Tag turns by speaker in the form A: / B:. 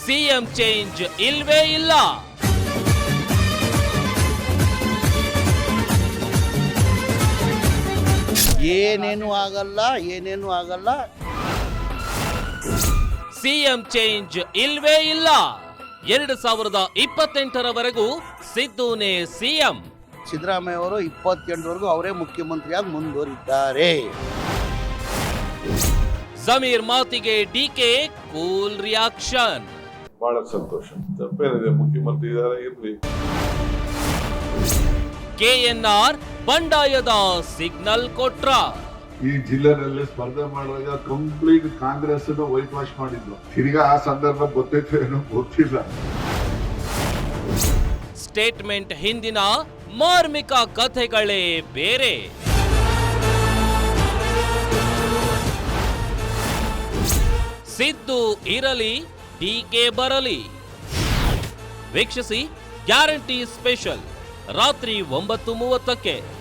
A: CM change ಇಲ್ವೇ ಇಲ್ಲ.
B: ಏನೇನು ಆಗಲ್ಲ.
A: ಸಿಎಂ ಚೇಂಜ್ ಇಲ್ವೇ ಇಲ್ಲ. 2028ರವರೆಗೂ ಸಿದ್ದುನೇ ಸಿಎಂ.
B: ಸಿದ್ದರಾಮಯ್ಯ ಅವರು 28ವರೆಗೂ ಅವರೇ ಮುಖ್ಯಮಂತ್ರಿಯಾಗಿ ಮುಂದುವರಿದ್ದಾರೆ.
A: ಜಮೀರ್ ಮಾತಿಗೆ ಡಿಕೆ ಕೂಲ್ ರಿಯಾಕ್ಷನ್.
C: ಬಹಳ ಸಂತೋಷ, ತಪ್ಪೇನಿದೆ, ಮುಖ್ಯಮಂತ್ರಿ ಇದ್ದಾರೆ, ಇರ್ಲಿ.
A: ಕೆಎನ್ಆರ್ ಬಂಡಾಯದ ಸಿಗ್ನಲ್ ಕೊಟ್ರ.
D: ಈ ಜಿಲ್ಲೆನಲ್ಲಿ ಸ್ಪರ್ಧೆ ಮಾಡುವಾಗ ಕಂಪ್ಲೀಟ್ ಕಾಂಗ್ರೆಸ್ ವೈಟ್ ವಾಶ್ ಮಾಡಿದ್ರು. ತಿರ್ಗಾ ಆ ಸಂದರ್ಭ ಗೊತ್ತೈತೆ ಏನೋ ಗೊತ್ತಿಲ್ಲ.
A: ಸ್ಟೇಟ್ಮೆಂಟ್ ಹಿಂದಿನ ಮಾರ್ಮಿಕ ಕಥೆಗಳೇ ಬೇರೆ. ಸಿದ್ದು ಇರಲಿ, ಡಿಕೆ ಬರಲಿ. ವೀಕ್ಷಿಸಿ ಗ್ಯಾರಂಟಿ ಸ್ಪೆಷಲ್ ರಾತ್ರಿ 9:30ಕ್ಕೆ.